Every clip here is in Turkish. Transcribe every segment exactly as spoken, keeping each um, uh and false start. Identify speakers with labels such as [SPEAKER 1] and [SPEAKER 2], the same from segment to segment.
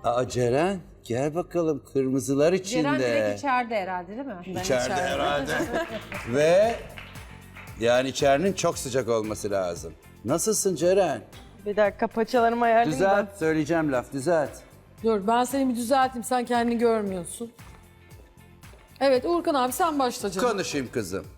[SPEAKER 1] Aa Ceren gel bakalım kırmızılar içinde.
[SPEAKER 2] Ceren direkt içeride herhalde değil mi?
[SPEAKER 1] İçeride, içeride herhalde. Ve yani içerinin çok sıcak olması lazım. Nasılsın Ceren?
[SPEAKER 3] Bir dakika paçalarımı ayarlayayım da.
[SPEAKER 1] Düzelt, söyleyeceğim laf, düzelt.
[SPEAKER 4] Dur ben seni bir düzelteyim, sen kendini görmüyorsun. Evet Uğurkan abi sen başla canım.
[SPEAKER 1] Konuşayım kızım.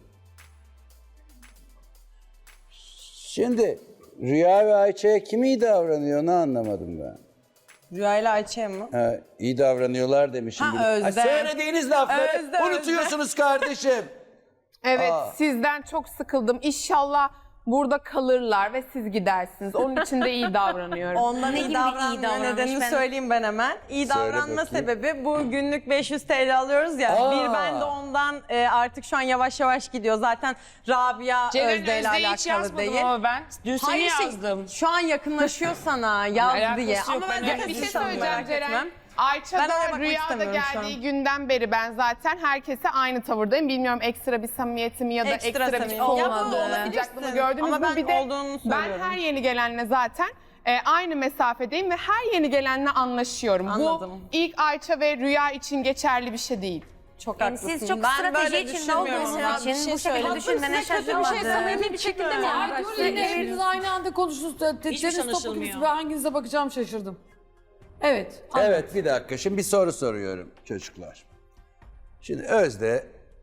[SPEAKER 1] Şimdi Rüya ve Ayça'ya kim iyi davranıyor onu anlamadım ben.
[SPEAKER 3] Rüya ile Ayça'ya mı?
[SPEAKER 1] Ha, iyi davranıyorlar demişim.
[SPEAKER 3] Ha,
[SPEAKER 1] gibi.
[SPEAKER 3] Özde.
[SPEAKER 1] Söylediğiniz lafları
[SPEAKER 3] Özde,
[SPEAKER 1] unutuyorsunuz kardeşim.
[SPEAKER 5] Evet,
[SPEAKER 1] Aa.
[SPEAKER 5] sizden çok sıkıldım. İnşallah burada kalırlar ve siz gidersiniz. Onun için de iyi davranıyorum.
[SPEAKER 3] Ondan
[SPEAKER 2] Ne
[SPEAKER 3] iyi
[SPEAKER 2] gibi iyi
[SPEAKER 3] davranma
[SPEAKER 2] davranmış
[SPEAKER 3] nedenini
[SPEAKER 2] ben-
[SPEAKER 3] söyleyeyim ben hemen. İyi
[SPEAKER 1] Söyle
[SPEAKER 3] davranma
[SPEAKER 1] bakayım.
[SPEAKER 3] sebebi bu günlük beş yüz T L alıyoruz ya.
[SPEAKER 1] Aa.
[SPEAKER 3] Bir ben de ondan e, artık şu an yavaş yavaş gidiyor. Zaten Rabia
[SPEAKER 6] Ceren
[SPEAKER 3] Özde ile
[SPEAKER 6] Özde'yi hiç
[SPEAKER 3] alakalı
[SPEAKER 6] yazmadım
[SPEAKER 3] değil.
[SPEAKER 6] ama ben. Dün seni
[SPEAKER 3] Hayır, şey,
[SPEAKER 6] yazdım.
[SPEAKER 3] şu an yakınlaşıyor sana yaz
[SPEAKER 6] Alakası
[SPEAKER 3] diye.
[SPEAKER 6] yok,
[SPEAKER 3] Ama
[SPEAKER 6] ben
[SPEAKER 3] ben
[SPEAKER 6] öyle
[SPEAKER 5] Bir şey
[SPEAKER 3] yaklaşırsam
[SPEAKER 5] söyleyeceğim
[SPEAKER 3] merak
[SPEAKER 5] Ceren.
[SPEAKER 3] etmem.
[SPEAKER 5] Ayça
[SPEAKER 3] Ben oraya
[SPEAKER 5] da
[SPEAKER 3] bakmak
[SPEAKER 5] Rüya'da
[SPEAKER 3] istemiyorum şu
[SPEAKER 5] geldiği
[SPEAKER 3] an.
[SPEAKER 5] günden beri ben zaten herkese aynı tavırdayım. Bilmiyorum ekstra bir samimiyetim ya da
[SPEAKER 3] Ekstra
[SPEAKER 5] ekstra, bir
[SPEAKER 3] samimiyet.
[SPEAKER 5] soğumadığı
[SPEAKER 3] Ya bu olabilirsin.
[SPEAKER 5] sıcaklığını gördünüz
[SPEAKER 3] Ama
[SPEAKER 5] mü?
[SPEAKER 3] ben
[SPEAKER 5] Bir de
[SPEAKER 3] olduğunu
[SPEAKER 5] ben
[SPEAKER 3] söylüyorum.
[SPEAKER 5] her yeni gelenle zaten e, aynı mesafedeyim ve her yeni gelenle anlaşıyorum.
[SPEAKER 3] Anladım.
[SPEAKER 5] Bu ilk Ayça ve Rüya için geçerli bir şey değil.
[SPEAKER 3] Çok
[SPEAKER 2] Yani
[SPEAKER 3] haklısın.
[SPEAKER 2] siz çok
[SPEAKER 3] Ben
[SPEAKER 2] strateji
[SPEAKER 3] böyle
[SPEAKER 2] içinde
[SPEAKER 3] düşünmüyorum
[SPEAKER 2] olduğunuz
[SPEAKER 3] ama
[SPEAKER 2] için
[SPEAKER 3] bir şey
[SPEAKER 2] bu şekilde
[SPEAKER 3] söyleyeyim.
[SPEAKER 2] düşünmene
[SPEAKER 3] Kötü bir şey
[SPEAKER 2] şaşırmadım.
[SPEAKER 3] samimi bir şekilde mi
[SPEAKER 4] Ay dur
[SPEAKER 3] yaklaştın?
[SPEAKER 4] yine hepiniz aynı anda konuştunuz. Deniz topuk
[SPEAKER 6] anlaşılmıyor.
[SPEAKER 4] ikisi, ben hanginize bakacağım şaşırdım. Evet.
[SPEAKER 1] Evet bir dakika şimdi bir soru soruyorum çocuklar. Şimdi Özde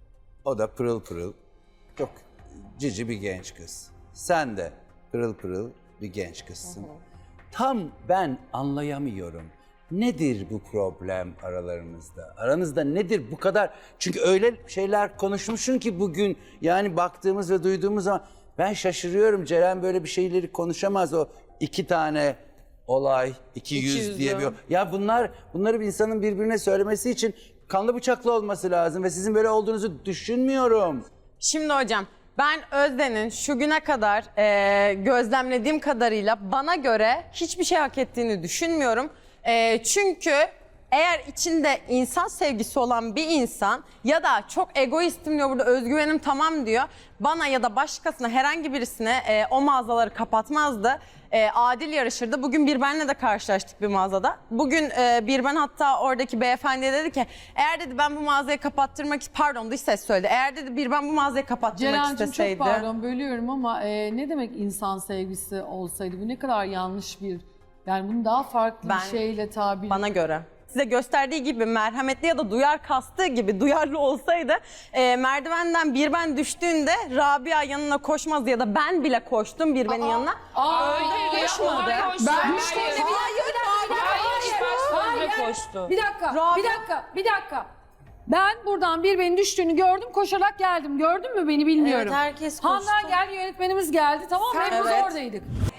[SPEAKER 1] o da pırıl pırıl çok cici bir genç kız. Sen de pırıl pırıl bir genç kızsın. Tam ben anlayamıyorum. Nedir bu problem aralarınızda? Aranızda nedir bu kadar? Çünkü öyle şeyler konuşmuşsun ki bugün yani baktığımız ve duyduğumuz zaman ben şaşırıyorum. Ceren böyle bir şeyleri konuşamaz o iki tane olay, iki yüz
[SPEAKER 3] yüzlü.
[SPEAKER 1] diye bir... Ya bunlar, bunları bir insanın birbirine söylemesi için kanlı bıçaklı olması lazım ve sizin böyle olduğunuzu düşünmüyorum.
[SPEAKER 3] Şimdi hocam ben Özde'nin şu güne kadar e, gözlemlediğim kadarıyla bana göre hiçbir şey hak ettiğini düşünmüyorum. E, çünkü eğer içinde insan sevgisi olan bir insan ya da çok egoistim diyor burada özgüvenim tamam diyor. Bana ya da başkasına herhangi birisine e, o mağazaları kapatmazdı. E, adil yarışırdı. Bugün bir benle de karşılaştık bir mağazada. Bugün e, bir ben hatta oradaki beyefendiye dedi ki eğer dedi ben bu mağazayı kapattırmak pardon dış ses söyledi. Eğer dedi bir ben bu mağazayı kapattırmak
[SPEAKER 4] Ceren'cim
[SPEAKER 3] isteseydi.
[SPEAKER 4] çok pardon bölüyorum ama e, ne demek insan sevgisi olsaydı? Bu ne kadar yanlış bir... Yani bunu daha farklı
[SPEAKER 3] Ben-
[SPEAKER 4] bir şeyle tabir...
[SPEAKER 3] Bana göre. Size gösterdiği gibi merhametli ya da duyar kastığı gibi duyarlı olsaydı e, merdivenden bir ben düştüğünde Rabia yanına koşmazdı ya da ben bile koştum bir benin yanına.
[SPEAKER 4] Aa,
[SPEAKER 6] Öyle
[SPEAKER 4] koşmadı.
[SPEAKER 6] Ben
[SPEAKER 4] düştüm de bir dakika, bir dakika, bir dakika.
[SPEAKER 6] Hayır,
[SPEAKER 4] Hayır.
[SPEAKER 6] koştu.
[SPEAKER 4] Bir dakika,
[SPEAKER 3] Rabia-
[SPEAKER 4] bir dakika, bir dakika. Ben buradan bir benim düştüğünü gördüm, koşarak geldim. Gördün mü beni bilmiyorum.
[SPEAKER 2] Evet, herkes koştu.
[SPEAKER 4] Handan gel, yönetmenimiz geldi, tamam mı?
[SPEAKER 5] Sen-
[SPEAKER 4] Hepimiz
[SPEAKER 3] Evet.
[SPEAKER 4] oradaydık.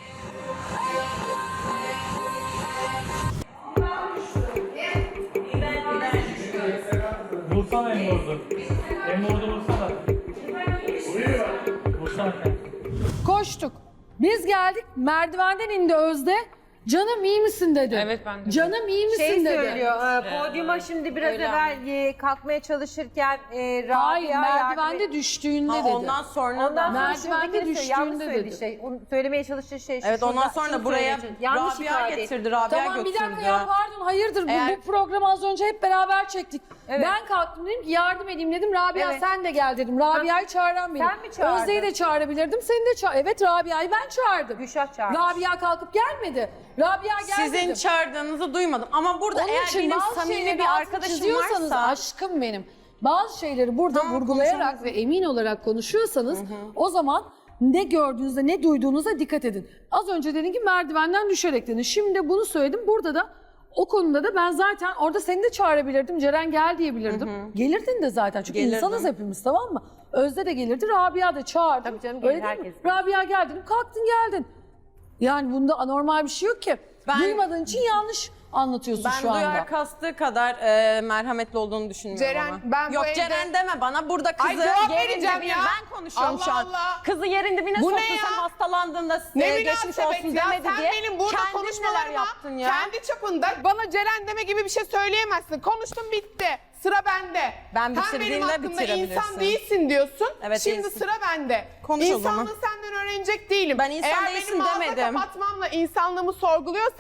[SPEAKER 7] Vursana Emre'yi. Emre'yi vursana. Vursana.
[SPEAKER 4] Koştuk. Biz geldik, merdivenden indi Özde. Canım iyi misin dedi.
[SPEAKER 6] Evet, ben de.
[SPEAKER 4] Canım iyi misin
[SPEAKER 2] Şey
[SPEAKER 4] dedi.
[SPEAKER 2] söylüyor, e, podyuma şimdi biraz evvel e, kalkmaya çalışırken e, Rabia
[SPEAKER 4] Hayır,
[SPEAKER 2] yardım
[SPEAKER 4] merdivende
[SPEAKER 2] et-
[SPEAKER 4] düştüğünde
[SPEAKER 3] Ha,
[SPEAKER 4] dedi.
[SPEAKER 3] ondan sonra
[SPEAKER 2] Ondan
[SPEAKER 3] da
[SPEAKER 2] sonra
[SPEAKER 4] Merdivende
[SPEAKER 2] şuradakini söyle, yanlış
[SPEAKER 4] düştüğünde
[SPEAKER 2] söyledi
[SPEAKER 4] dedi.
[SPEAKER 2] şey. Onu söylemeye çalıştığı şey şu.
[SPEAKER 3] evet ondan
[SPEAKER 2] şurada-
[SPEAKER 3] sonra
[SPEAKER 2] şunu
[SPEAKER 3] buraya
[SPEAKER 2] söyleyecek. Yanlış
[SPEAKER 3] Rabia
[SPEAKER 2] ifade etti.
[SPEAKER 3] getirdi, Rabia
[SPEAKER 4] Tamam bir
[SPEAKER 3] götürdü.
[SPEAKER 4] dakika ya pardon hayırdır bu,
[SPEAKER 3] Eğer-
[SPEAKER 4] bu programı az önce hep beraber çektik.
[SPEAKER 2] Evet.
[SPEAKER 4] Ben kalktım dedim ki yardım edeyim dedim. Rabia
[SPEAKER 2] Evet.
[SPEAKER 4] sen de gel dedim. Rabia'yı çağıran benim.
[SPEAKER 2] Sen mi çağırdın?
[SPEAKER 4] Özde'yi de çağırabilirdim. Seni de çağır. Evet Rabia'yı ben çağırdım.
[SPEAKER 2] Gülşah çağırmış.
[SPEAKER 4] Rabia kalkıp gelmedi. Rabia gel
[SPEAKER 3] Sizin
[SPEAKER 4] dedim.
[SPEAKER 3] çağırdığınızı duymadım ama burada
[SPEAKER 4] Onun
[SPEAKER 3] eğer
[SPEAKER 4] için
[SPEAKER 3] benim
[SPEAKER 4] bazı
[SPEAKER 3] samimi
[SPEAKER 4] şeyleri
[SPEAKER 3] bir
[SPEAKER 4] altını
[SPEAKER 3] arkadaşım
[SPEAKER 4] çiziyorsanız
[SPEAKER 3] varsa
[SPEAKER 4] aşkım benim. Bazı şeyleri burada
[SPEAKER 3] Tamam,
[SPEAKER 4] vurgulayarak
[SPEAKER 3] konuşalım.
[SPEAKER 4] ve emin olarak konuşuyorsanız o zaman ne gördüğünüzde ne duyduğunuza dikkat edin. Az önce dedin ki merdivenden düşerek dedin. Şimdi bunu söyledim. Burada da o konuda da ben zaten orada seni de çağırabilirdim. Ceren gel diyebilirdim. Gelirdin de zaten çünkü
[SPEAKER 3] Gelirdim.
[SPEAKER 4] insanız hepimiz tamam mı? Özde de gelirdi. Rabia da çağırdı.
[SPEAKER 2] Tabii canım,
[SPEAKER 4] Öyle
[SPEAKER 2] gelir,
[SPEAKER 4] değil mi?
[SPEAKER 2] herkes.
[SPEAKER 4] Rabia gel dedim. Kalktın geldin. Yani bunda anormal bir şey yok ki.
[SPEAKER 3] Ben-
[SPEAKER 4] Duymadığın için yanlış anlatıyorsun
[SPEAKER 3] ben
[SPEAKER 4] şu anda.
[SPEAKER 3] duyar kastığı kadar e, merhametli olduğunu düşünmüyorum
[SPEAKER 5] Ceren,
[SPEAKER 3] ama.
[SPEAKER 5] ben bu
[SPEAKER 3] Yok
[SPEAKER 5] evde-
[SPEAKER 3] Ceren deme bana burada kızı
[SPEAKER 5] Ay, cevap
[SPEAKER 3] yerin
[SPEAKER 5] vereceğim
[SPEAKER 3] dibine
[SPEAKER 5] ya.
[SPEAKER 3] ben konuşuyorum
[SPEAKER 5] Allah
[SPEAKER 3] şu an.
[SPEAKER 5] Allah.
[SPEAKER 3] Kızı yerin dibine
[SPEAKER 5] Bu ne
[SPEAKER 3] soktun
[SPEAKER 5] ya?
[SPEAKER 3] sen hastalandığında
[SPEAKER 5] Ne
[SPEAKER 3] e, geçmiş
[SPEAKER 5] münasebet
[SPEAKER 3] olsun
[SPEAKER 5] ya,
[SPEAKER 3] demedi
[SPEAKER 5] sen
[SPEAKER 3] diye.
[SPEAKER 5] benim burada
[SPEAKER 3] Kendin neler
[SPEAKER 5] konuşmalarıma
[SPEAKER 3] yaptın ya.
[SPEAKER 5] kendi çapında bana Ceren deme gibi bir şey söyleyemezsin. Konuştum bitti. Sıra bende.
[SPEAKER 3] Ben
[SPEAKER 5] Sen
[SPEAKER 3] bitirdiğimde
[SPEAKER 5] benim hakkımda
[SPEAKER 3] bitirebilirsin.
[SPEAKER 5] insan değilsin diyorsun.
[SPEAKER 3] Evet,
[SPEAKER 5] Şimdi
[SPEAKER 3] değilsin.
[SPEAKER 5] sıra bende.
[SPEAKER 3] Konuş o zaman.
[SPEAKER 5] İnsanlığı senden öğrenecek değilim.
[SPEAKER 3] Ben insan
[SPEAKER 5] Eğer
[SPEAKER 3] değilsin
[SPEAKER 5] benim mağaza
[SPEAKER 3] demedim.
[SPEAKER 5] kapatmamla insanlığımı sorguluyorsan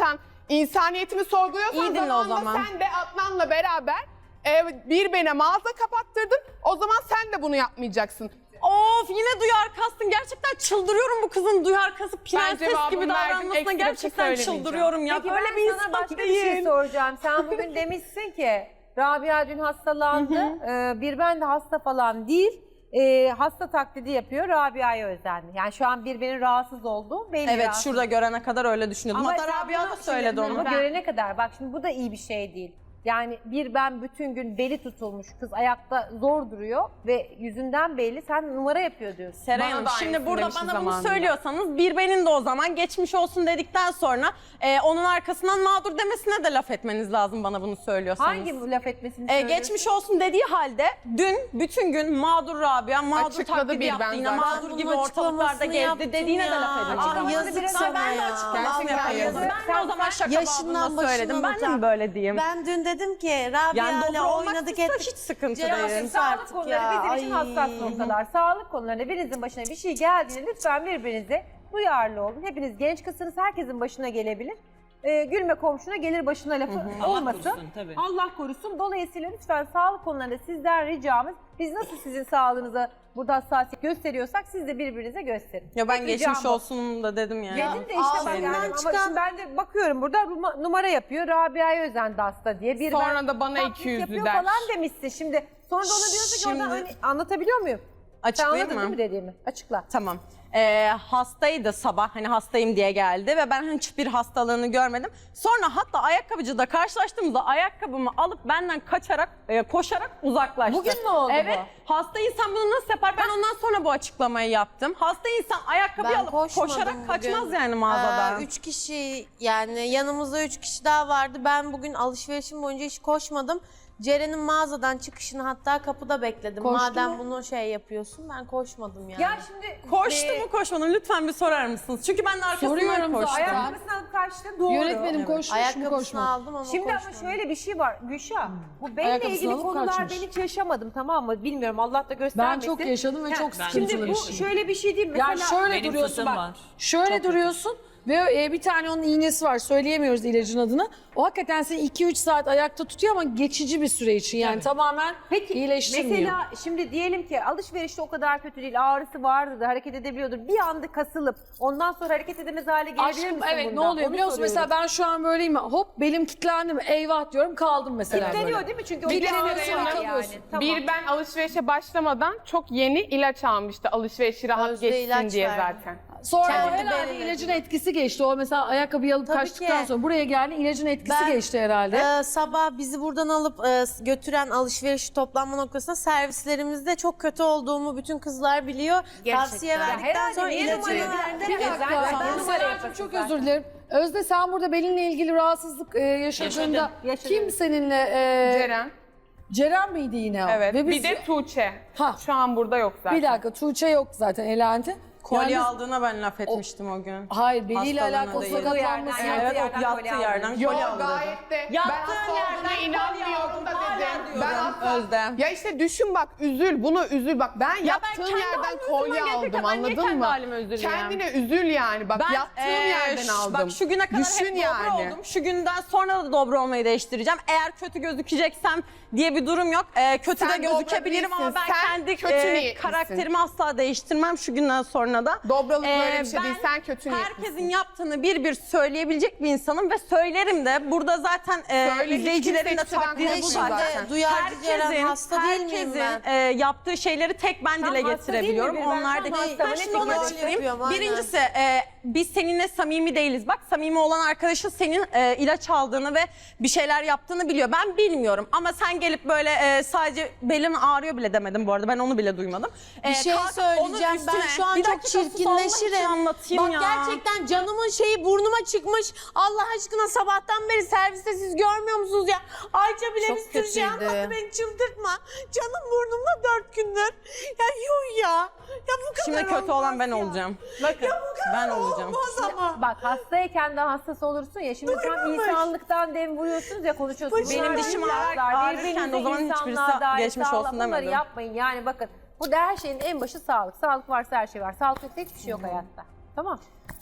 [SPEAKER 5] insaniyetimi sorguluyorsan
[SPEAKER 3] İyi dinle o
[SPEAKER 5] zamanında
[SPEAKER 3] zaman.
[SPEAKER 5] sen de Adnan'la beraber e, bir bene mağaza kapattırdın. O zaman sen de bunu yapmayacaksın.
[SPEAKER 3] Of yine duyar kastın. Gerçekten çıldırıyorum bu kızın duyar kasıp prenses
[SPEAKER 5] cevabımı
[SPEAKER 3] gibi
[SPEAKER 5] verdim,
[SPEAKER 3] davranmasına
[SPEAKER 5] ekstra bir şey
[SPEAKER 3] gerçekten
[SPEAKER 5] söylemeyeceğim.
[SPEAKER 3] çıldırıyorum ya.
[SPEAKER 2] Peki
[SPEAKER 3] Böyle
[SPEAKER 2] ben
[SPEAKER 3] bir
[SPEAKER 2] sana
[SPEAKER 3] insan
[SPEAKER 2] başka
[SPEAKER 3] değil.
[SPEAKER 2] bir şey soracağım. Sen bugün demişsin ki Rabia dün hastalandı. Ee, bir ben de hasta falan değil. Ee, hasta taklidi yapıyor. Rabia'ya özendi. Yani şu an birbirinin rahatsız olduğu belli.
[SPEAKER 3] Evet
[SPEAKER 2] rahatsız.
[SPEAKER 3] şurada görene kadar öyle düşünüyordum. Hatta
[SPEAKER 2] sen
[SPEAKER 3] Rabia
[SPEAKER 2] bunu
[SPEAKER 3] da söyledi
[SPEAKER 2] şimdi-
[SPEAKER 3] onu.
[SPEAKER 2] Ama görene kadar bak şimdi bu da iyi bir şey değil. Yani bir ben bütün gün beli tutulmuş kız ayakta zor duruyor ve yüzünden belli sen numara yapıyor diyorsun.
[SPEAKER 3] Seray
[SPEAKER 5] Bana
[SPEAKER 3] Hanım
[SPEAKER 5] da
[SPEAKER 3] şimdi
[SPEAKER 5] aynısını
[SPEAKER 3] burada
[SPEAKER 5] demişti
[SPEAKER 3] bana bunu
[SPEAKER 5] zamanında.
[SPEAKER 3] söylüyorsanız bir benim de o zaman geçmiş olsun dedikten sonra e, onun arkasından mağdur demesine de laf etmeniz lazım bana bunu söylüyorsanız.
[SPEAKER 2] Hangi bu laf etmesini
[SPEAKER 3] E,
[SPEAKER 2] söylüyorsun?
[SPEAKER 3] geçmiş olsun dediği halde dün bütün gün mağdur Rabia, mağdur
[SPEAKER 5] Açıkladı
[SPEAKER 3] taklidi
[SPEAKER 5] bir ben
[SPEAKER 3] yaptı yine,
[SPEAKER 5] zaten.
[SPEAKER 3] mağdur
[SPEAKER 6] Ben
[SPEAKER 3] gibi
[SPEAKER 6] bunun
[SPEAKER 3] ortalıklarda
[SPEAKER 6] açıklamasını
[SPEAKER 3] gezdi
[SPEAKER 6] yaptım
[SPEAKER 3] dediğine de
[SPEAKER 6] ya.
[SPEAKER 3] laf edin.
[SPEAKER 6] Ay,
[SPEAKER 3] Açıklamasını
[SPEAKER 6] yazık
[SPEAKER 3] biraz-
[SPEAKER 6] sana
[SPEAKER 3] ben de
[SPEAKER 6] ya.
[SPEAKER 3] açıklamasını
[SPEAKER 5] Gerçekten
[SPEAKER 3] yapıyordum.
[SPEAKER 5] yazık.
[SPEAKER 3] Ben de o zaman şaka
[SPEAKER 6] Yaşından
[SPEAKER 3] babında söyledim.
[SPEAKER 6] başından
[SPEAKER 3] Ben de mi
[SPEAKER 6] utan.
[SPEAKER 3] böyle diyeyim?
[SPEAKER 6] Ben dün dedim ki Rabia
[SPEAKER 3] Yani
[SPEAKER 6] ile
[SPEAKER 3] dobra olmak
[SPEAKER 6] oynadık
[SPEAKER 3] istiyorsa
[SPEAKER 6] ettik.
[SPEAKER 3] hiç sıkıntı
[SPEAKER 6] Ceren,
[SPEAKER 3] değil.
[SPEAKER 6] sus
[SPEAKER 2] Sağlık
[SPEAKER 6] artık
[SPEAKER 2] konuları
[SPEAKER 6] ya.
[SPEAKER 2] bizim için
[SPEAKER 6] Ay.
[SPEAKER 2] hassas noktalar. Sağlık konularında birinizin başına bir şey geldiğinde lütfen birbirinize duyarlı olun. Hepiniz genç kızsınız, herkesin başına gelebilir. Ee, gülme komşuna gelir başına lafı olmasın. Allah korusun. Dolayısıyla lütfen sağlık konularında sizden ricamız, biz nasıl sizin sağlığınıza burada hassasiyet gösteriyorsak siz de birbirinize gösterin.
[SPEAKER 3] Ya ben
[SPEAKER 2] Tek
[SPEAKER 3] geçmiş
[SPEAKER 2] ricam bu.
[SPEAKER 3] olsun da dedim yani.
[SPEAKER 2] Dedim de işte ben
[SPEAKER 6] ağzından
[SPEAKER 2] yani ama
[SPEAKER 6] çıkan-
[SPEAKER 2] şimdi ben de bakıyorum burada ruma- numara yapıyor. Rabia'ya özendi hasta diye. Bir
[SPEAKER 5] Sonra
[SPEAKER 2] ben
[SPEAKER 5] da bana
[SPEAKER 2] taklit
[SPEAKER 5] iki yüzlü
[SPEAKER 2] yapıyor
[SPEAKER 5] der.
[SPEAKER 2] falan demişsin. Şimdi sonra da ona diyorsun ki orada
[SPEAKER 3] Şimdi-
[SPEAKER 2] hani anlatabiliyor muyum? Sen
[SPEAKER 3] Açıklayayım
[SPEAKER 2] anladın
[SPEAKER 3] mı?
[SPEAKER 2] değil mi dediğimi? Açıkla.
[SPEAKER 3] Tamam. Ee, hastaydı sabah, hani hastayım diye geldi ve ben hiçbir hastalığını görmedim. Sonra hatta ayakkabıcıda karşılaştığımızda ayakkabımı alıp benden kaçarak, e, koşarak uzaklaştı.
[SPEAKER 4] Bugün mü oldu
[SPEAKER 3] Evet. Hasta insan bunu nasıl yapar? Ben ondan sonra bu açıklamayı yaptım. Hasta insan ayakkabıyı
[SPEAKER 6] Ben
[SPEAKER 3] alıp
[SPEAKER 6] koşmadım
[SPEAKER 3] koşarak
[SPEAKER 6] bugün.
[SPEAKER 3] kaçmaz yani mağazadan.
[SPEAKER 6] Ee, üç kişi yani yanımızda üç kişi daha vardı. Ben bugün alışverişim boyunca hiç koşmadım. Ceren'in mağazadan çıkışını hatta kapıda bekledim.
[SPEAKER 4] Koştu
[SPEAKER 6] Madem
[SPEAKER 4] mu?
[SPEAKER 6] bunu şey yapıyorsun ben koşmadım yani.
[SPEAKER 2] Ya şimdi
[SPEAKER 3] Koştu
[SPEAKER 2] e,
[SPEAKER 3] mu koşmadı mı lütfen bir sorar mısınız? Çünkü ben de arkasından
[SPEAKER 4] Soruyorum
[SPEAKER 3] koştum.
[SPEAKER 4] zaten.
[SPEAKER 2] ayakkabısını alıp kaçtı doğru.
[SPEAKER 4] Yönetmenim koşmuş mu
[SPEAKER 6] Ayakkabısını
[SPEAKER 4] koşmadı?
[SPEAKER 6] aldım ama
[SPEAKER 2] Şimdi ama
[SPEAKER 6] koşmadım.
[SPEAKER 2] şöyle bir şey var Gülşah. Bu benimle
[SPEAKER 4] Ayakkabısını
[SPEAKER 2] ilgili
[SPEAKER 4] alıp
[SPEAKER 2] konular
[SPEAKER 4] kaçmış.
[SPEAKER 2] ben hiç yaşamadım tamam mı? Bilmiyorum Allah da
[SPEAKER 4] Ben
[SPEAKER 2] göstermesin.
[SPEAKER 4] çok yaşadım ve
[SPEAKER 2] Ya,
[SPEAKER 4] çok
[SPEAKER 2] Şimdi
[SPEAKER 4] sıkıntılı
[SPEAKER 2] bu
[SPEAKER 4] yaşadım.
[SPEAKER 2] şöyle bir şey değil. Mesela
[SPEAKER 4] Yani şöyle
[SPEAKER 8] Benim
[SPEAKER 4] duruyorsun
[SPEAKER 8] fıtığım
[SPEAKER 4] bak.
[SPEAKER 8] var.
[SPEAKER 4] Şöyle duruyorsun ve e, bir tane onun iğnesi var. Söyleyemiyoruz ilacın adını. O hakikaten seni iki üç saat ayakta tutuyor ama geçici bir süre için. Yani tamamen
[SPEAKER 2] Peki
[SPEAKER 4] iyileştirmiyor.
[SPEAKER 2] mesela şimdi diyelim ki alışverişte o kadar kötü değil, ağrısı vardı da hareket edebiliyordur. Bir anda kasılıp ondan sonra hareket edemez hale gelebilir
[SPEAKER 4] Aşkım
[SPEAKER 2] misin
[SPEAKER 4] evet
[SPEAKER 2] bundan?
[SPEAKER 4] ne oluyor
[SPEAKER 2] Onu
[SPEAKER 4] biliyor musun?
[SPEAKER 2] soruyorum.
[SPEAKER 4] Mesela ben şu an böyleyim. Hop belim kilitlendi mi? Eyvah diyorum kaldım mesela
[SPEAKER 2] Kilitleniyor
[SPEAKER 4] böyle.
[SPEAKER 2] değil mi? Çünkü o
[SPEAKER 4] Bir
[SPEAKER 2] kilitleniyor
[SPEAKER 4] kere
[SPEAKER 2] yani.
[SPEAKER 4] kalıyorsun.
[SPEAKER 2] Tamam.
[SPEAKER 5] Bir ben alışverişe başlamadan çok yeni ilaç almıştı alışverişi rahat
[SPEAKER 6] Özde
[SPEAKER 5] geçsin
[SPEAKER 6] ilaç
[SPEAKER 5] diye
[SPEAKER 6] verdi.
[SPEAKER 5] zaten.
[SPEAKER 4] Sonra
[SPEAKER 6] Kendi
[SPEAKER 4] o herhalde
[SPEAKER 6] belirledi.
[SPEAKER 4] ilacın etkisi geçti. O mesela ayakkabıyı alıp
[SPEAKER 6] Tabii
[SPEAKER 4] kaçtıktan
[SPEAKER 6] ki.
[SPEAKER 4] sonra buraya geldi ilacın etkisi
[SPEAKER 6] Ben,
[SPEAKER 4] geçti herhalde.
[SPEAKER 6] Ee, sabah bizi buradan alıp e, götüren alışveriş toplanma noktasında servislerimizde çok kötü olduğumu bütün kızlar biliyor. Tavsiye verdikten
[SPEAKER 2] Herhalde
[SPEAKER 6] sonra
[SPEAKER 2] niye
[SPEAKER 6] ilacını
[SPEAKER 2] numara
[SPEAKER 6] verdi.
[SPEAKER 2] verdin?
[SPEAKER 4] Bir
[SPEAKER 2] Evet,
[SPEAKER 4] dakika.
[SPEAKER 2] ben- ben
[SPEAKER 4] Ben
[SPEAKER 2] numara
[SPEAKER 4] Serapcığım
[SPEAKER 2] yapasın
[SPEAKER 4] çok
[SPEAKER 2] zaten.
[SPEAKER 4] özür dilerim. Özde sen burada belinle ilgili rahatsızlık e, yaşadığında
[SPEAKER 8] Yaşadım.
[SPEAKER 2] Yaşadım.
[SPEAKER 4] kim seninle? E,
[SPEAKER 5] Ceren.
[SPEAKER 4] Ceren miydi yine o?
[SPEAKER 5] Evet.
[SPEAKER 4] Ve biz,
[SPEAKER 5] Bir de Tuğçe.
[SPEAKER 4] Ha.
[SPEAKER 5] Şu an burada yok zaten.
[SPEAKER 4] bir dakika Tuğçe yok zaten elendi.
[SPEAKER 3] Kolye
[SPEAKER 4] Yani biz-
[SPEAKER 3] aldığına ben laf etmiştim o gün.
[SPEAKER 4] Hayır beliyle
[SPEAKER 3] Hastalığına
[SPEAKER 4] alakalı
[SPEAKER 3] değil.
[SPEAKER 4] sakatlanması.
[SPEAKER 2] Yerden,
[SPEAKER 3] Evet,
[SPEAKER 2] yerden
[SPEAKER 3] o yattığı
[SPEAKER 2] kolye
[SPEAKER 3] yerden
[SPEAKER 2] aldım.
[SPEAKER 5] Yok
[SPEAKER 3] kolye aldı.
[SPEAKER 5] gayet de ben
[SPEAKER 3] Yattığın
[SPEAKER 5] hasta olduğuna
[SPEAKER 3] yerden kolye
[SPEAKER 5] inanmıyorum
[SPEAKER 3] aldım,
[SPEAKER 5] da
[SPEAKER 3] hala
[SPEAKER 5] dedim.
[SPEAKER 3] diyorum.
[SPEAKER 5] Ben hasta-
[SPEAKER 3] Özlem.
[SPEAKER 5] Ya işte düşün bak üzül bunu üzül bak ben
[SPEAKER 3] Ya ben
[SPEAKER 5] yattığım
[SPEAKER 3] kendi
[SPEAKER 5] yerden
[SPEAKER 3] halime
[SPEAKER 5] kolye
[SPEAKER 3] üzülmem
[SPEAKER 5] aldım
[SPEAKER 3] gerekirken ben niye
[SPEAKER 5] anladın
[SPEAKER 3] kendi
[SPEAKER 5] mı?
[SPEAKER 3] halime üzüleyim?
[SPEAKER 5] Kendine üzül yani bak
[SPEAKER 3] Ben
[SPEAKER 5] yattığım
[SPEAKER 3] eee,
[SPEAKER 5] yerden
[SPEAKER 3] ş-
[SPEAKER 5] aldım.
[SPEAKER 3] Bak şu güne kadar
[SPEAKER 5] Düşün
[SPEAKER 3] hep dobra
[SPEAKER 5] yani.
[SPEAKER 3] oldum. Şu günden sonra da dobra olmayı değiştireceğim. Eğer kötü gözükeceksem diye bir durum yok. Ee, kötü
[SPEAKER 5] Sen
[SPEAKER 3] de gözükebilirim
[SPEAKER 5] dobra
[SPEAKER 3] ama ben
[SPEAKER 5] değilsin, sen
[SPEAKER 3] kendi
[SPEAKER 5] kötü
[SPEAKER 3] e,
[SPEAKER 5] niyetlisin.
[SPEAKER 3] karakterimi asla değiştirmem şu günden sonra da.
[SPEAKER 5] Dobralık böyle
[SPEAKER 3] Ee,
[SPEAKER 5] bir şey değil
[SPEAKER 3] ben
[SPEAKER 5] sen kötü niyetlisin.
[SPEAKER 3] herkesin yaptığını bir bir söyleyebilecek bir insanım ve söylerim de. Burada zaten e,
[SPEAKER 5] Söyle, hiç
[SPEAKER 3] izleyicilerin de
[SPEAKER 5] kimse hiçbir şeyden
[SPEAKER 3] takdiri bu
[SPEAKER 5] konuşmuyor
[SPEAKER 3] zaten.
[SPEAKER 5] zaten.
[SPEAKER 6] Duyarcı Ceren hasta değil miyim
[SPEAKER 3] herkesin,
[SPEAKER 6] ben?
[SPEAKER 3] e, yaptığı şeyleri tek ben
[SPEAKER 2] Tam
[SPEAKER 3] dile
[SPEAKER 2] hasta
[SPEAKER 3] getirebiliyorum.
[SPEAKER 2] değil mi? Ben
[SPEAKER 3] Onlar
[SPEAKER 2] tam
[SPEAKER 3] da
[SPEAKER 2] hasta.
[SPEAKER 3] Ben
[SPEAKER 2] Ne
[SPEAKER 3] şimdi onu
[SPEAKER 2] fikir
[SPEAKER 3] açıklayayım.
[SPEAKER 6] yapıyorum, aynen.
[SPEAKER 3] Birincisi e, biz seninle samimi değiliz. Bak samimi olan arkadaşın senin e, ilaç aldığını ve bir şeyler yaptığını biliyor. Ben bilmiyorum ama sen gelip böyle e, sadece belin ağrıyor bile demedim bu arada. Ben onu bile duymadım.
[SPEAKER 6] Bir
[SPEAKER 3] E,
[SPEAKER 6] şey
[SPEAKER 3] kalkıp
[SPEAKER 6] söyleyeceğim
[SPEAKER 3] onun
[SPEAKER 6] ben
[SPEAKER 3] üstüne
[SPEAKER 6] şu an
[SPEAKER 3] bir
[SPEAKER 6] çok
[SPEAKER 3] dakika sus, Allah için
[SPEAKER 6] çirkinleşirim.
[SPEAKER 3] anlatayım
[SPEAKER 6] Bak
[SPEAKER 3] ya.
[SPEAKER 6] gerçekten canımın şeyi burnuma çıkmış. Allah aşkına sabahtan beri serviste siz görmüyor musunuz ya? Ayça bile Çok bir sürü şey kötüydü. anlattı beni çıldırtma. Canım burnumda dört gündür. Ya yuh ya. Ya bu kadar
[SPEAKER 3] Şimdi kötü
[SPEAKER 6] olmaz
[SPEAKER 3] olan ben
[SPEAKER 6] ya.
[SPEAKER 3] olacağım.
[SPEAKER 6] Ya bu kadar
[SPEAKER 3] Ben olacağım.
[SPEAKER 6] olmaz ama.
[SPEAKER 2] Bak hastayken daha hassas olursun ya. Şimdi tam insanlıktan dem vuruyorsunuz ya konuşuyorsunuz.
[SPEAKER 3] Benim
[SPEAKER 2] Bunlar
[SPEAKER 3] dişim
[SPEAKER 2] laflar,
[SPEAKER 3] ağrır-
[SPEAKER 2] birbirinize
[SPEAKER 3] ağrırken de o zaman hiçbirisi
[SPEAKER 2] insanlığa dair
[SPEAKER 3] geçmiş
[SPEAKER 2] sağlık,
[SPEAKER 3] olsun
[SPEAKER 2] bunları
[SPEAKER 3] demedim.
[SPEAKER 2] yapmayın. Yani bakın burada her şeyin en başı sağlık. Sağlık varsa her şey var. Sağlık yoksa hiçbir şey yok hayatta. Tamam.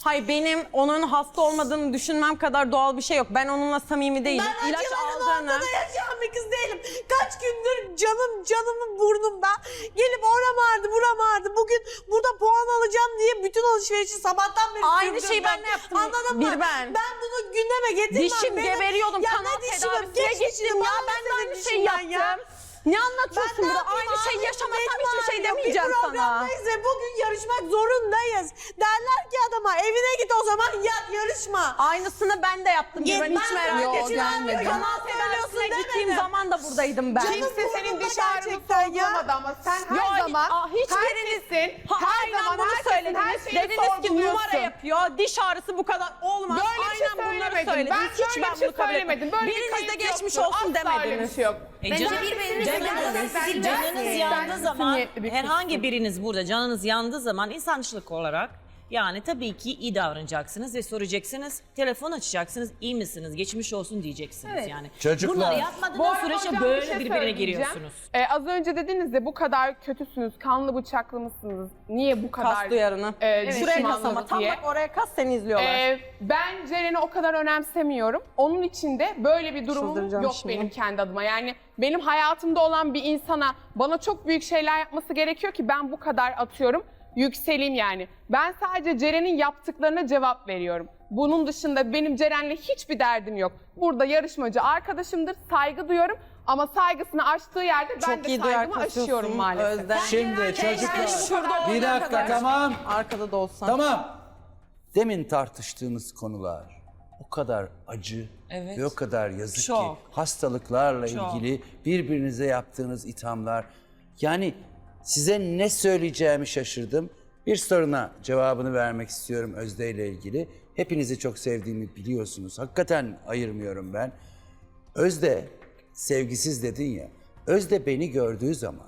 [SPEAKER 3] Hayır, benim onun hasta olmadığını düşünmem kadar doğal bir şey yok. Ben onunla samimi değilim.
[SPEAKER 6] Ben
[SPEAKER 3] İlaç
[SPEAKER 6] acıların
[SPEAKER 3] aldığını...
[SPEAKER 6] ortada yaşayan bir kız değilim. Kaç gündür canım canımın burnumda. Gelip oram ağrıdı buram ağrıdı. Bugün burada puan alacağım diye bütün alışverişi sabahtan beri
[SPEAKER 3] Aynı
[SPEAKER 6] sürdüm
[SPEAKER 3] şeyi ben de yaptım.
[SPEAKER 6] Anladın
[SPEAKER 3] Bir
[SPEAKER 6] mı?
[SPEAKER 3] ben.
[SPEAKER 6] Ben bunu gündeme getirmem.
[SPEAKER 3] Dişim
[SPEAKER 6] Benim-
[SPEAKER 3] geberiyordum,
[SPEAKER 6] Ya
[SPEAKER 3] kanal
[SPEAKER 6] ne dişimim?
[SPEAKER 3] tedavisine
[SPEAKER 6] Geç
[SPEAKER 3] gittim
[SPEAKER 6] dişim,
[SPEAKER 3] ya.
[SPEAKER 6] bana
[SPEAKER 3] Ben de
[SPEAKER 6] ne
[SPEAKER 3] aynı
[SPEAKER 6] dişim
[SPEAKER 3] şeyi
[SPEAKER 6] ben
[SPEAKER 3] yaptım.
[SPEAKER 6] ya?
[SPEAKER 3] Ne anlatıyorsun
[SPEAKER 6] Ben ne
[SPEAKER 3] burada? Aynı
[SPEAKER 6] yapayım
[SPEAKER 3] şeyi
[SPEAKER 6] abi?
[SPEAKER 3] yaşamasam
[SPEAKER 6] Benim
[SPEAKER 3] hiçbir şey
[SPEAKER 6] ağrıyor.
[SPEAKER 3] demeyeceğim
[SPEAKER 6] Bir
[SPEAKER 3] sana.
[SPEAKER 6] programdayız ve bugün yarışmak zorundayız. Derler ki adama evine git o zaman yat yarışma.
[SPEAKER 3] Aynısını ben de yaptım.
[SPEAKER 6] Git,
[SPEAKER 3] Ben hiç
[SPEAKER 6] ben
[SPEAKER 3] merak
[SPEAKER 6] yok,
[SPEAKER 3] etme.
[SPEAKER 6] gelmedim.
[SPEAKER 3] Kanal
[SPEAKER 6] Söylüyorsun
[SPEAKER 3] tedavisine gittiğim
[SPEAKER 6] demedim.
[SPEAKER 3] zaman da buradaydım ben.
[SPEAKER 5] Kimse senin
[SPEAKER 6] burnumda
[SPEAKER 5] diş ağrını
[SPEAKER 6] gerçekten ya.
[SPEAKER 5] sorgulamadı ama sen her
[SPEAKER 3] Yo,
[SPEAKER 5] zaman
[SPEAKER 3] aa, hiçbiriniz
[SPEAKER 5] herkesin,
[SPEAKER 3] ha,
[SPEAKER 5] her
[SPEAKER 3] aynen
[SPEAKER 5] zaman
[SPEAKER 3] bunu
[SPEAKER 5] herkesin
[SPEAKER 3] söylediniz.
[SPEAKER 5] her şeyini
[SPEAKER 3] Dediniz ki numara
[SPEAKER 5] sorguluyorsun.
[SPEAKER 3] yapıyor. Diş ağrısı bu kadar olmaz.
[SPEAKER 5] Böyle bir şey
[SPEAKER 3] aynen bunları
[SPEAKER 5] söylemedim.
[SPEAKER 3] söylediniz.
[SPEAKER 5] Ben
[SPEAKER 3] Hiç
[SPEAKER 5] böyle
[SPEAKER 3] ben
[SPEAKER 5] bir şey
[SPEAKER 3] bunu kabul
[SPEAKER 5] söylemedim.
[SPEAKER 3] etmedim.
[SPEAKER 5] Böyle bir
[SPEAKER 3] Biriniz de
[SPEAKER 5] kayıt
[SPEAKER 3] geçmiş
[SPEAKER 5] yoktur.
[SPEAKER 3] olsun
[SPEAKER 5] Asla öyle bir
[SPEAKER 3] demediniz.
[SPEAKER 5] şey yok.
[SPEAKER 8] E, can- canınız, canınız yandığı zaman herhangi biriniz burada canınız yandığı zaman insançılık olarak yani tabii ki iyi davranacaksınız ve soracaksınız, telefon açacaksınız, iyi misiniz, geçmiş olsun diyeceksiniz
[SPEAKER 2] Evet.
[SPEAKER 8] yani.
[SPEAKER 1] Çocuklar.
[SPEAKER 8] Bunları
[SPEAKER 5] Bu
[SPEAKER 8] yapmadığınız
[SPEAKER 5] arada
[SPEAKER 8] süreçte
[SPEAKER 5] hocam
[SPEAKER 8] böyle
[SPEAKER 5] bir şey
[SPEAKER 8] birbirine
[SPEAKER 5] söyleyeceğim.
[SPEAKER 8] giriyorsunuz.
[SPEAKER 5] Ee, az önce dediniz de bu kadar kötüsünüz, kanlı bıçaklı mısınız? Niye bu kadar
[SPEAKER 3] Kas duyarını.
[SPEAKER 5] e,
[SPEAKER 3] Şuraya kas ama
[SPEAKER 5] düşmanlık
[SPEAKER 3] tam
[SPEAKER 5] diye?
[SPEAKER 3] bak oraya kas seni izliyorlar.
[SPEAKER 5] Ee, ben Ceren'i o kadar önemsemiyorum. Onun için de böyle bir durumum
[SPEAKER 3] Çıldıracağım
[SPEAKER 5] yok
[SPEAKER 3] şimdi.
[SPEAKER 5] benim kendi adıma. Yani benim hayatımda olan bir insana bana çok büyük şeyler yapması gerekiyor ki ben bu kadar atıyorum. Yükseleyim yani. Ben sadece Ceren'in yaptıklarına cevap veriyorum. Bunun dışında benim Ceren'le hiçbir derdim yok. Burada yarışmacı arkadaşımdır, saygı duyuyorum. Ama saygısını aştığı yerde ben
[SPEAKER 3] Çok
[SPEAKER 5] de
[SPEAKER 3] iyi duyar
[SPEAKER 5] saygımı
[SPEAKER 3] kasıyorsun
[SPEAKER 5] aşıyorum maalesef.
[SPEAKER 3] Özlem.
[SPEAKER 1] Şimdi çocuklar.
[SPEAKER 3] Şurada
[SPEAKER 1] Bir
[SPEAKER 3] olana
[SPEAKER 1] dakika
[SPEAKER 3] kadar.
[SPEAKER 1] tamam.
[SPEAKER 3] Arkada da olsan.
[SPEAKER 1] Tamam. Demin tartıştığımız konular o kadar acı
[SPEAKER 8] Evet.
[SPEAKER 1] ve o kadar yazık
[SPEAKER 8] Çok.
[SPEAKER 1] ki hastalıklarla
[SPEAKER 8] Çok.
[SPEAKER 1] ilgili birbirinize yaptığınız ithamlar. Yani size ne söyleyeceğimi şaşırdım. Bir soruna cevabını vermek istiyorum Özde ile ilgili. Hepinizi çok sevdiğimi biliyorsunuz. Hakikaten ayırmıyorum ben. Özde sevgisiz dedin ya. Özde beni gördüğü zaman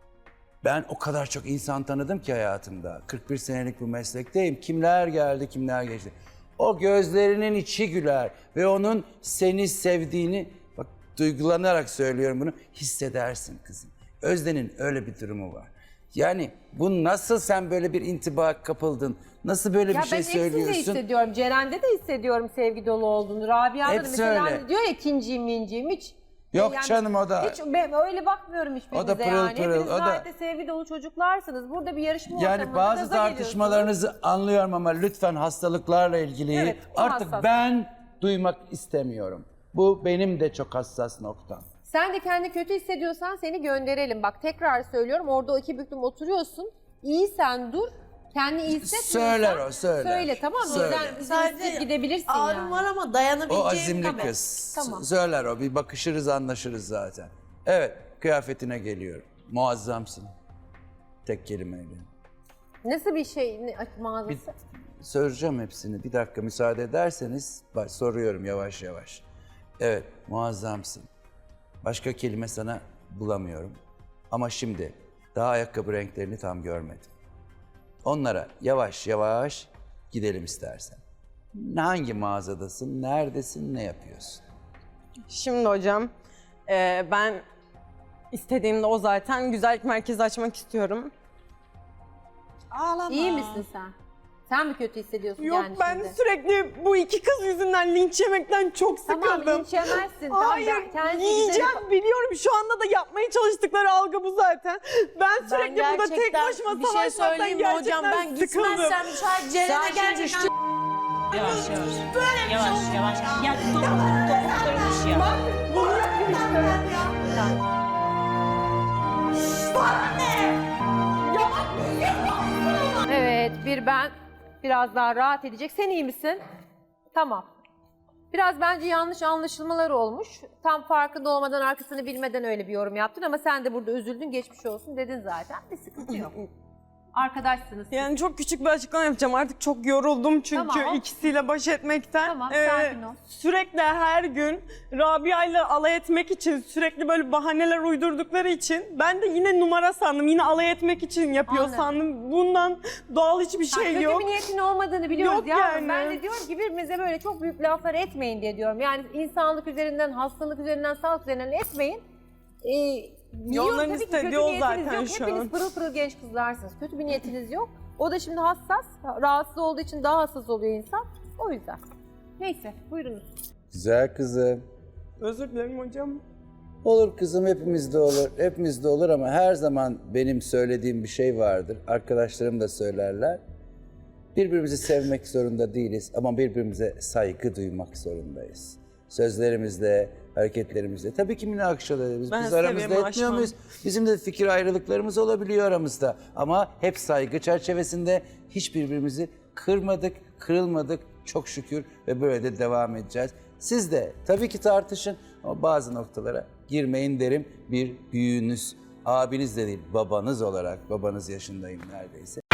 [SPEAKER 1] ben o kadar çok insan tanıdım ki hayatımda. kırk bir senelik bu meslekteyim. Kimler geldi, kimler geçti. O gözlerinin içi güler ve onun seni sevdiğini, bak duygulanarak söylüyorum bunu, hissedersin kızım. Özde'nin öyle bir durumu var. Yani bu nasıl sen böyle bir intiba kapıldın? Nasıl böyle
[SPEAKER 2] Ya
[SPEAKER 1] bir şey
[SPEAKER 2] ben hepsinde
[SPEAKER 1] söylüyorsun?
[SPEAKER 2] hissediyorum. Ceren'de de hissediyorum sevgi dolu olduğunu. Rabia'da da
[SPEAKER 1] Hepsi
[SPEAKER 2] mesela
[SPEAKER 1] öyle.
[SPEAKER 2] hani diyor ya kinciyim minciyim hiç.
[SPEAKER 1] Yok canım, o da-
[SPEAKER 2] Hiç ben öyle bakmıyorum hiçbirinize
[SPEAKER 1] O da pırıl
[SPEAKER 2] yani.
[SPEAKER 1] pırıl,
[SPEAKER 2] Hepiniz
[SPEAKER 1] o da-
[SPEAKER 2] gayet de sevgi dolu çocuklarsınız. Burada bir yarışma
[SPEAKER 1] Yani
[SPEAKER 2] ortamında
[SPEAKER 1] bazı
[SPEAKER 2] gaza
[SPEAKER 1] tartışmalarınızı anlıyorum ama lütfen hastalıklarla ilgili
[SPEAKER 2] Evet, o
[SPEAKER 1] artık
[SPEAKER 2] hassas.
[SPEAKER 1] ben duymak istemiyorum. Bu benim de çok hassas noktam.
[SPEAKER 2] Sen de kendi kötü hissediyorsan seni gönderelim. Bak tekrar söylüyorum orada o iki büklüm oturuyorsun. İyi sen dur. Kendi iyi hissetmiyorsan
[SPEAKER 1] Söyler o, söyler.
[SPEAKER 2] Söyle tamam mı?
[SPEAKER 1] Söyler.
[SPEAKER 2] Bizden izin isteyip gidebilirsin
[SPEAKER 6] Ağrım
[SPEAKER 2] yani.
[SPEAKER 6] var ama dayanabileceğim
[SPEAKER 1] O azimli
[SPEAKER 6] kadar.
[SPEAKER 1] kız.
[SPEAKER 2] Tamam.
[SPEAKER 1] Söyler o. Bir bakışırız, anlaşırız zaten. Evet, kıyafetine geliyorum. Muazzamsın. Tek kelimeyle.
[SPEAKER 2] Nasıl bir şey ne, mağazası?
[SPEAKER 1] Bir, soracağım hepsini. Bir dakika müsaade ederseniz bak, soruyorum yavaş yavaş. Evet, muazzamsın. Başka kelime sana bulamıyorum. Ama şimdi daha ayakkabı renklerini tam görmedim. Onlara yavaş yavaş gidelim istersen. Hangi mağazadasın, neredesin, ne yapıyorsun?
[SPEAKER 3] Şimdi hocam e, ben istediğimde o zaten güzellik merkezi açmak istiyorum.
[SPEAKER 8] Ağlama.
[SPEAKER 2] İyi misin sen? Sen mi kötü hissediyorsun
[SPEAKER 3] Yok
[SPEAKER 2] yani
[SPEAKER 3] ben
[SPEAKER 2] şimdi?
[SPEAKER 3] sürekli bu iki kız yüzünden linç yemekten çok sıkıldım.
[SPEAKER 2] Tamam linç yemezsin. Tamam,
[SPEAKER 3] Hayır
[SPEAKER 2] ben kendi
[SPEAKER 3] yiyeceğim
[SPEAKER 2] güzel-
[SPEAKER 3] biliyorum şu anda da yapmaya çalıştıkları algı bu zaten. Ben sürekli burada tek
[SPEAKER 6] gerçekten
[SPEAKER 3] başıma
[SPEAKER 6] bir şey
[SPEAKER 3] savaşmaktan
[SPEAKER 6] söyleyeyim mi
[SPEAKER 3] gerçekten
[SPEAKER 6] hocam ben
[SPEAKER 3] sıkıldım.
[SPEAKER 6] gitmezsem şayet Ceren'e gerçekten
[SPEAKER 8] Yavaş yavaş. Yavaş yavaş. Ya topuk topuk kırılmış ya.
[SPEAKER 2] Evet bir ben biraz daha rahat edecek. Sen iyi misin? Tamam. Biraz bence yanlış anlaşılmalar olmuş. Tam farkında olmadan arkasını bilmeden öyle bir yorum yaptın ama sen de burada üzüldün geçmiş olsun dedin zaten. Bir sıkıntı yok. Arkadaşsınız. siz.
[SPEAKER 3] Yani çok küçük bir açıklama yapacağım. Artık çok yoruldum çünkü
[SPEAKER 2] Tamam.
[SPEAKER 3] ikisiyle baş etmekten.
[SPEAKER 2] Tamam,
[SPEAKER 3] Ee,
[SPEAKER 2] sakin ol.
[SPEAKER 3] Sürekli her gün Rabia'yla alay etmek için, sürekli böyle bahaneler uydurdukları için ben de yine numara sandım. Yine alay etmek için yapıyor
[SPEAKER 2] Anladım.
[SPEAKER 3] sandım. Bundan doğal hiçbir
[SPEAKER 2] Ha,
[SPEAKER 3] şey
[SPEAKER 2] kötü
[SPEAKER 3] yok.
[SPEAKER 2] bir niyetin olmadığını biliyoruz
[SPEAKER 3] Yok
[SPEAKER 2] yavrum.
[SPEAKER 3] yani.
[SPEAKER 2] Ben de diyorum ki birbirimize böyle çok büyük laflar etmeyin diye diyorum. Yani insanlık üzerinden, hastalık üzerinden, sağlık üzerinden etmeyin. Ee, biliyorum
[SPEAKER 3] onların
[SPEAKER 2] tabii ki
[SPEAKER 3] istediği
[SPEAKER 2] kötü
[SPEAKER 3] o
[SPEAKER 2] niyetiniz
[SPEAKER 3] zaten
[SPEAKER 2] yok.
[SPEAKER 3] şu
[SPEAKER 2] Hepiniz
[SPEAKER 3] an.
[SPEAKER 2] pırıl pırıl genç kızlarsınız. Kötü bir niyetiniz yok. O da şimdi hassas, rahatsız olduğu için daha hassas oluyor insan. O yüzden. Neyse, buyurunuz.
[SPEAKER 1] Güzel kızım.
[SPEAKER 5] Özür dilerim hocam.
[SPEAKER 1] Olur kızım, hepimizde olur. Hepimizde olur ama her zaman benim söylediğim bir şey vardır. Arkadaşlarım da söylerler. Birbirimizi sevmek zorunda değiliz ama birbirimize saygı duymak zorundayız. Sözlerimizle, hareketlerimizle. Tabii ki münakaşa ederiz.
[SPEAKER 8] Ben
[SPEAKER 1] Biz aramızda
[SPEAKER 8] seviyorum,
[SPEAKER 1] etmiyor
[SPEAKER 8] aşmam.
[SPEAKER 1] muyuz? Bizim de fikir ayrılıklarımız olabiliyor aramızda. Ama hep saygı çerçevesinde hiç birbirimizi kırmadık, kırılmadık çok şükür ve böyle de devam edeceğiz. Siz de tabii ki tartışın ama bazı noktalara girmeyin derim. Bir büyüğünüz, abiniz de değil, babanız olarak, babanız yaşındayım neredeyse.